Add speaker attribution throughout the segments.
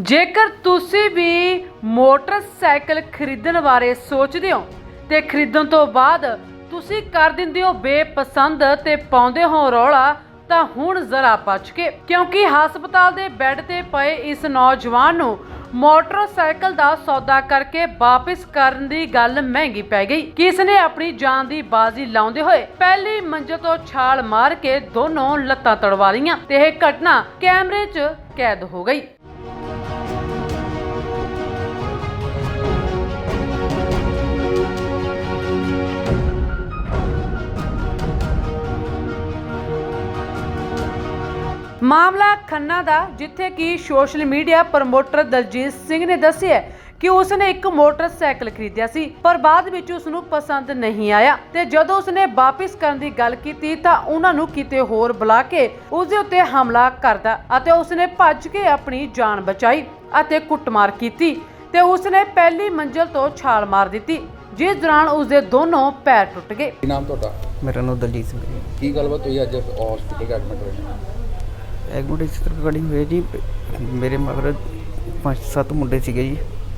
Speaker 1: ਜੇਕਰ ਤੁਸੀਂ ਵੀ ਮੋਟਰਸਾਈਕਲ ਖਰੀਦਣ ਬਾਰੇ ਸੋਚਦੇ ਹੋ ਤੇ ਖਰੀਦਣ ਤੋਂ ਬਾਅਦ ਤੁਸੀਂ ਕਰ ਦਿੰਦੇ ਹੋ ਬੇਪਸੰਦ ਤੇ ਪਾਉਂਦੇ ਹੋ ਰੌਲਾ, ਤਾਂ ਹੁਣ ਜ਼ਰਾ ਬਚ ਕੇ, ਕਿਉਂਕਿ ਹਸਪਤਾਲ ਦੇ ਬੈੱਡ ਤੇ ਪਏ ਇਸ ਨੌਜਵਾਨ ਨੂੰ ਮੋਟਰਸਾਈਕਲ ਦਾ ਸੌਦਾ ਕਰਕੇ ਵਾਪਸ ਕਰਨ ਦੀ ਗੱਲ ਮਹਿੰਗੀ ਪੈ ਗਈ। ਕਿਸ ਨੇ ਆਪਣੀ ਜਾਨ ਦੀ ਬਾਜ਼ੀ ਲਾਉਂਦੇ ਹੋਏ ਪਹਿਲੀ ਮੰਜ਼ਿਲ ਤੋਂ ਛਾਲ ਮਾਰ ਕੇ ਦੋਨੋਂ ਲੱਤਾਂ ਤੜਵਾ ਲਈਆਂ ਤੇ ਇਹ ਘਟਨਾ ਕੈਮਰੇ 'ਚ ਕੈਦ ਹੋ ਗਈ। ਮਾਮਲਾ ਖੰਨਾ ਦਾ, ਜਿੱਥੇ ਕਿ social media promoter Daljit Singh ਨੇ ਦੱਸਿਆ ਕਿ ਉਸਨੇ ਇੱਕ ਮੋਟਰਸਾਈਕਲ ਖਰੀਦਿਆ ਸੀ, ਪਰ ਬਾਅਦ ਵਿੱਚ ਉਸਨੂੰ ਪਸੰਦ ਨਹੀਂ ਆਇਆ ਤੇ ਜਦੋਂ ਉਸਨੇ ਵਾਪਸ ਕਰਨ ਦੀ ਗੱਲ ਕੀਤੀ ਤਾਂ ਉਹਨਾਂ ਨੂੰ ਕਿਤੇ ਹੋਰ ਬੁਲਾ ਕੇ ਉਸਦੇ ਉੱਤੇ ਹਮਲਾ ਕਰਦਾ ਅਤੇ ਉਸਨੇ ਭੱਜ ਕੇ ਆਪਣੀ ਜਾਨ ਬਚਾਈ ਅਤੇ ਕੁੱਟਮਾਰ ਕੀਤੀ ਤੇ ਉਸਨੇ ਪਹਿਲੀ ਮੰਜ਼ਿਲ ਤੋਂ ਛਾਲ ਮਾਰ ਦਿੱਤੀ, ਜਿਸ ਦੌਰਾਨ ਉਸਦੇ ਦੋਨੋਂ ਪੈਰ ਟੁੱਟ ਗਏ।
Speaker 2: ਕੀ ਨਾਮ ਤੁਹਾਡਾ?
Speaker 3: ਮੇਰਾ ਨਾਮ ਦਲਜੀਤ ਸਿੰਘ ਹੈ।
Speaker 2: ਕੀ ਗੱਲਬਾਤ ਹੋਈ ਅੱਜ ਹਸਪੀਟਲ ਐਡਮਿਟ ਹੋਏ?
Speaker 3: ਐਗਮੈਂਟ ਇਸ ਤਰ੍ਹਾਂ ਰਿਕਾਰਡਿੰਗ ਹੋਈ ਜੀ, ਮੇਰੇ ਮਗਰ 5-7 ਮੁੰਡੇ ਸੀਗੇ ਜੀ,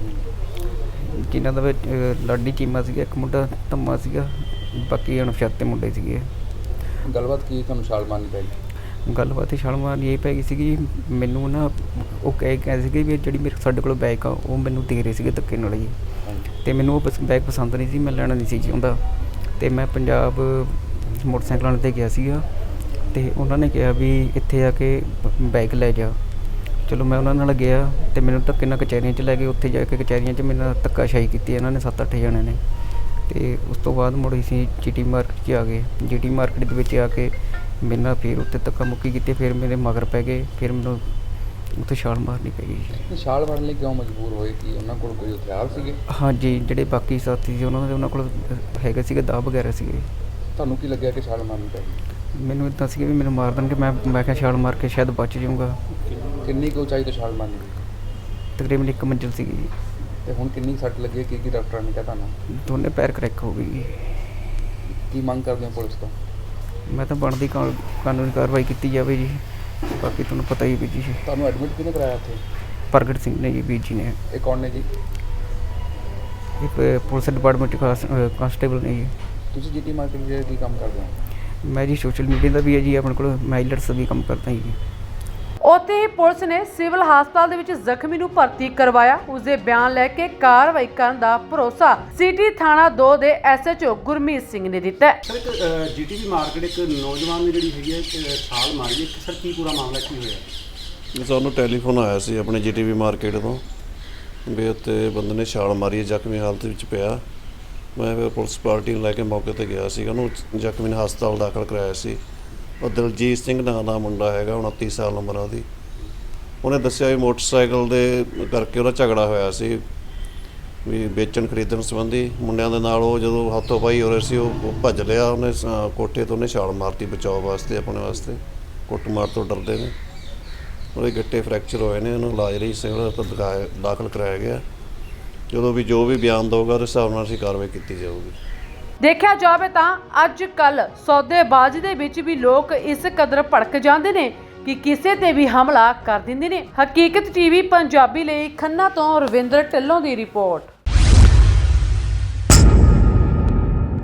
Speaker 3: ਜਿਨ੍ਹਾਂ ਦਾ ਵਿੱਚ ਲਾਡੀ ਚੀਮਾ ਸੀਗਾ, ਇੱਕ ਮੁੰਡਾ ਧੰਮਾ ਸੀਗਾ, ਬਾਕੀ ਅਣਪਛਾਤੇ ਮੁੰਡੇ ਸੀਗੇ।
Speaker 2: ਗੱਲਬਾਤ ਕੀ ਤੁਹਾਨੂੰ ਛਾਲ ਮਾਰਨੀ ਪਈ?
Speaker 3: ਗੱਲਬਾਤ ਹੀ ਛਾਲ ਮਾਰਨੀ ਇਹ ਪੈ ਗਈ ਸੀਗੀ। ਮੈਨੂੰ ਨਾ ਉਹ ਕਹਿ ਸੀਗੇ ਵੀ ਜਿਹੜੀ ਮੇਰੇ ਸਾਡੇ ਕੋਲ ਬਾਈਕ ਆ ਉਹ ਮੈਨੂੰ ਦੇ ਰਹੇ ਸੀਗੇ ਧੱਕੇ ਨਾਲ ਜੀ, ਅਤੇ ਮੈਨੂੰ ਉਹ ਬਾਈਕ ਪਸੰਦ ਨਹੀਂ ਸੀ, ਮੈਂ ਲੈਣਾ ਨਹੀਂ ਸੀ ਚਾਹੁੰਦਾ, ਅਤੇ ਮੈਂ ਪੰਜਾਬ ਮੋਟਰਸਾਈਕਲਾਂ 'ਤੇ ਗਿਆ ਸੀਗਾ ਅਤੇ ਉਹਨਾਂ ਨੇ ਕਿਹਾ ਵੀ ਇੱਥੇ ਆ ਕੇ ਬਾਈਕ ਲੈ ਜਾ। ਚਲੋ ਮੈਂ ਉਹਨਾਂ ਨਾਲ ਗਿਆ ਅਤੇ ਮੈਨੂੰ ਧੱਕੇ ਨਾਲ ਕਚਹਿਰੀਆਂ 'ਚ ਲੈ ਗਏ। ਉੱਥੇ ਜਾ ਕੇ ਕਚਹਿਰੀਆਂ 'ਚ ਮੇਰੇ ਨਾਲ ਧੱਕਾਸ਼ਾਹੀ ਕੀਤੀ ਇਹਨਾਂ ਨੇ 7-8 ਜਣਿਆਂ ਨੇ, ਅਤੇ ਉਸ ਤੋਂ ਬਾਅਦ ਮੁੜ ਅਸੀਂ GT ਮਾਰਕੀਟ 'ਚ ਆ ਗਏ। GT ਮਾਰਕੀਟ ਦੇ ਵਿੱਚ ਆ ਕੇ ਮੇਰੇ ਨਾਲ ਫਿਰ ਉੱਥੇ ਧੱਕਾ ਮੁੱਕੀ ਕੀਤੀ, ਫਿਰ ਮੇਰੇ ਮਗਰ ਪੈ ਗਏ, ਫਿਰ ਮੈਨੂੰ ਉੱਥੇ ਛਾਲ ਮਾਰਨੀ ਪੈ ਗਈ।
Speaker 2: ਛਾਲ ਮਾਰਨ ਲਈ ਕਿਉਂ ਮਜਬੂਰ ਹੋਏ? ਕਿ ਉਹਨਾਂ ਕੋਲ ਕੋਈ ਹਥਿਆਰ ਸੀਗੇ? ਹਾਂਜੀ,
Speaker 3: ਜਿਹੜੇ ਬਾਕੀ ਸਾਥੀ ਸੀ ਉਹਨਾਂ ਕੋਲ ਹੈਗੇ ਸੀਗੇ, ਦਾਅ ਵਗੈਰਾ ਸੀਗੇ।
Speaker 2: ਤੁਹਾਨੂੰ ਕੀ ਲੱਗਿਆ ਕਿ ਛਾਲ ਮਾਰਨੀ ਪੈ ਗਈ?
Speaker 3: ਮੈਨੂੰ ਇੱਦਾਂ ਸੀ ਵੀ ਮੈਨੂੰ ਮਾਰ ਦੇਣਗੇ, ਮੈਂ ਕਿਹਾ ਛਾਲ ਮਾਰ ਕੇ ਸ਼ਾਇਦ ਬਚ ਜਾਊਂਗਾ।
Speaker 2: ਕਿੰਨੀ ਕੁ ਉਚਾਈ ਤੋਂ ਛਾਲ ਮਾਰਨੀ ਪਈ?
Speaker 3: ਤਕਰੀਬਨ 1 ਮੰਜ਼ਿਲ ਸੀਗੀ ਜੀ।
Speaker 2: ਤੇ ਹੁਣ ਕਿੰਨੀ ਸੱਟ ਲੱਗੀ? ਕੀ ਡਾਕਟਰਾਂ ਨੇ ਕਿਹਾ ਤੁਹਾਨੂੰ?
Speaker 3: ਦੋਨੇ ਪੈਰ ਕਰੈਕ ਹੋ ਗਈ।
Speaker 2: ਕੀ ਮੰਗ ਕਰਦੇ ਹੋ ਪੁਲਿਸ ਤੋਂ?
Speaker 3: ਮੈਂ ਤਾਂ ਬਣਦੀ ਕਾਨੂੰਨੀ ਕਾਰਵਾਈ ਕੀਤੀ ਜਾਵੇ ਜੀ, ਬਾਕੀ ਤੁਹਾਨੂੰ ਪਤਾ ਹੀ ਵੀ ਜੀ।
Speaker 2: ਤੁਹਾਨੂੰ ਐਡਮਿਟ ਕਿਹਨੇ ਕਰਾਇਆ ਉੱਥੇ?
Speaker 3: ਪ੍ਰਗਟ ਸਿੰਘ ਨੇ ਜੀ, ਵੀਰ ਜੀ ਨੇ।
Speaker 2: ਇਹ ਕੌਣ ਨੇ ਜੀ?
Speaker 3: ਇਹ ਪੁਲਿਸ ਡਿਪਾਰਟਮੈਂਟ ਕਾਂਸਟੇਬਲ ਨੇ ਜੀ।
Speaker 2: ਤੁਸੀਂ GT ਮਾਰਕੀਟ ਦੇ ਕੀ ਕੰਮ ਕਰਦੇ ਹੋ?
Speaker 3: ਮੈਂ ਜੀ ਸੋਸ਼ਲ ਮੀਡੀਆ ਦਾ ਵੀ ਹੈ ਜੀ, ਆਪਣੇ ਕੋਲ ਮਾਈਲਟਸ ਦਾ ਵੀ ਕੰਮ ਕਰਦਾ ਜੀ।
Speaker 1: ਉੱਥੇ ਹੀ ਪੁਲਿਸ ਨੇ ਸਿਵਲ ਹਸਪਤਾਲ ਦੇ ਵਿੱਚ ਜ਼ਖਮੀ ਨੂੰ ਭਰਤੀ ਕਰਵਾਇਆ। ਉਸਦੇ ਬਿਆਨ ਲੈ ਕੇ ਕਾਰਵਾਈ ਕਰਨ ਦਾ ਭਰੋਸਾ ਸਿਟੀ ਥਾਣਾ 2 ਦੇ SHO ਗੁਰਮੀਤ ਸਿੰਘ ਨੇ ਦਿੱਤਾ।
Speaker 4: ਸਰ, ਇੱਕ GTB ਮਾਰਕੀਟ ਇੱਕ ਨੌਜਵਾਨ ਨੇ ਜਿਹੜੀ ਹੈਗੀ ਹੈ ਛਾਲ ਮਾਰੀ ਹੈ, ਸਰ ਕੀ ਪੂਰਾ ਮਾਮਲਾ ਕੀ ਹੋਇਆ?
Speaker 5: ਸਾਨੂੰ ਟੈਲੀਫੋਨ ਆਇਆ ਸੀ ਆਪਣੇ GTB ਮਾਰਕੀਟ ਤੋਂ ਵੀ ਉੱਥੇ ਬੰਦੇ ਨੇ ਛਾਲ ਮਾਰੀ ਹੈ, ਜ਼ਖਮੀ ਹਾਲਤ ਵਿੱਚ ਪਿਆ। ਮੈਂ ਫਿਰ ਪੁਲਿਸ ਪਾਰਟੀ ਨੂੰ ਲੈ ਕੇ ਮੌਕੇ 'ਤੇ ਗਿਆ ਸੀ, ਉਹਨੂੰ ਜ਼ਖਮੀ ਨੂੰ ਹਸਪਤਾਲ ਦਾਖਲ ਕਰਾਇਆ ਸੀ। ਉਹ ਦਲਜੀਤ ਸਿੰਘ ਨਾਂ ਦਾ ਮੁੰਡਾ ਹੈਗਾ, 29 ਸਾਲ ਉਮਰ ਉਹਦੀ। ਉਹਨੇ ਦੱਸਿਆ ਵੀ ਮੋਟਰਸਾਈਕਲ ਦੇ ਕਰਕੇ ਉਹਦਾ ਝਗੜਾ ਹੋਇਆ ਸੀ ਵੀ ਵੇਚਣ ਖਰੀਦਣ ਸੰਬੰਧੀ ਮੁੰਡਿਆਂ ਦੇ ਨਾਲ। ਉਹ ਜਦੋਂ ਹੱਥੋਂ ਪਾਈ ਹੋ ਰਹੇ ਸੀ ਉਹ ਭੱਜ ਲਿਆ, ਉਹਨੇ ਕੋਠੇ ਤੋਂ ਉਹਨੇ ਛਾਲ ਮਾਰਤੀ ਬਚਾਓ ਵਾਸਤੇ, ਆਪਣੇ ਵਾਸਤੇ। ਕੁੱਟਮਾਰ ਤੋਂ ਡਰਦੇ ਨੇ। ਉਹਦੇ ਗਿੱਟੇ ਫ੍ਰੈਕਚਰ ਹੋਏ ਨੇ, ਉਹਨੂੰ ਇਲਾਜ ਲਈ ਸਿਵਲ ਹਸਪਤਾਲ ਦਾਖਲ ਕਰਾਇਆ ਗਿਆ। ਜਦੋਂ ਵੀ ਜੋ ਵੀ ਬਿਆਨ ਦਊਗਾ ਉਹਦੇ ਹਿਸਾਬ ਨਾਲ ਅਸੀਂ ਕਾਰਵਾਈ ਕੀਤੀ ਜਾਊਗੀ।
Speaker 1: ਦੇਖਿਆ ਜਾਵੇ ਤਾਂ ਅੱਜ ਕੱਲ ਸੌਦੇਬਾਜ਼ੀ ਦੇ ਵਿੱਚ ਵੀ ਲੋਕ ਇਸ ਕਦਰ ਭੜਕ ਜਾਂਦੇ ਨੇ ਕਿ ਕਿਸੇ ਤੇ ਵੀ ਹਮਲਾ ਕਰ ਦਿੰਦੇ ਨੇ। ਹਕੀਕਤ TV ਪੰਜਾਬੀ ਲਈ ਖੰਨਾ ਤੋਂ ਰਵਿੰਦਰ ਢਿੱਲੋਂ ਦੀ ਰਿਪੋਰਟ।